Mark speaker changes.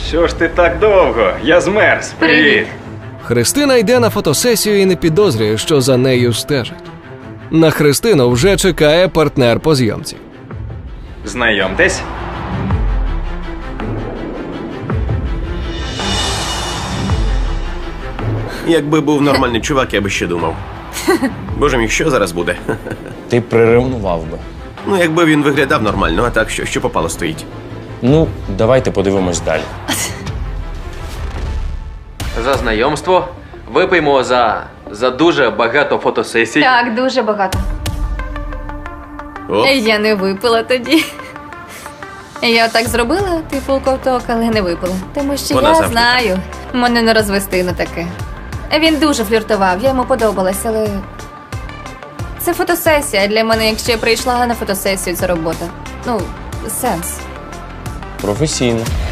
Speaker 1: Що ж ти так довго? Я змерз. Привіт.
Speaker 2: Христина йде на фотосесію і не підозрює, що за нею стежать. На Христину вже чекає партнер по зйомці.
Speaker 1: Знайомтесь.
Speaker 3: Якби був нормальний чувак, я би ще думав. Боже мій, що зараз буде?
Speaker 4: Ти приревнував би.
Speaker 3: Ну, якби він виглядав нормально, а так що попало стоїть.
Speaker 4: Ну, давайте подивимось далі.
Speaker 5: За знайомство. Випиймо за дуже багато фотосесій.
Speaker 6: Так, дуже багато.
Speaker 3: Оп.
Speaker 6: Я не випила тоді. Я так зробила, типу ковток, але не випила. Тому що
Speaker 3: Вона
Speaker 6: я
Speaker 3: завжди
Speaker 6: знаю, мене не розвести на таке. Він дуже фліртував, я йому подобалась, але це фотосесія. Для мене, якщо я прийшла на фотосесію, це робота. Ну, сенс.
Speaker 4: Професійно.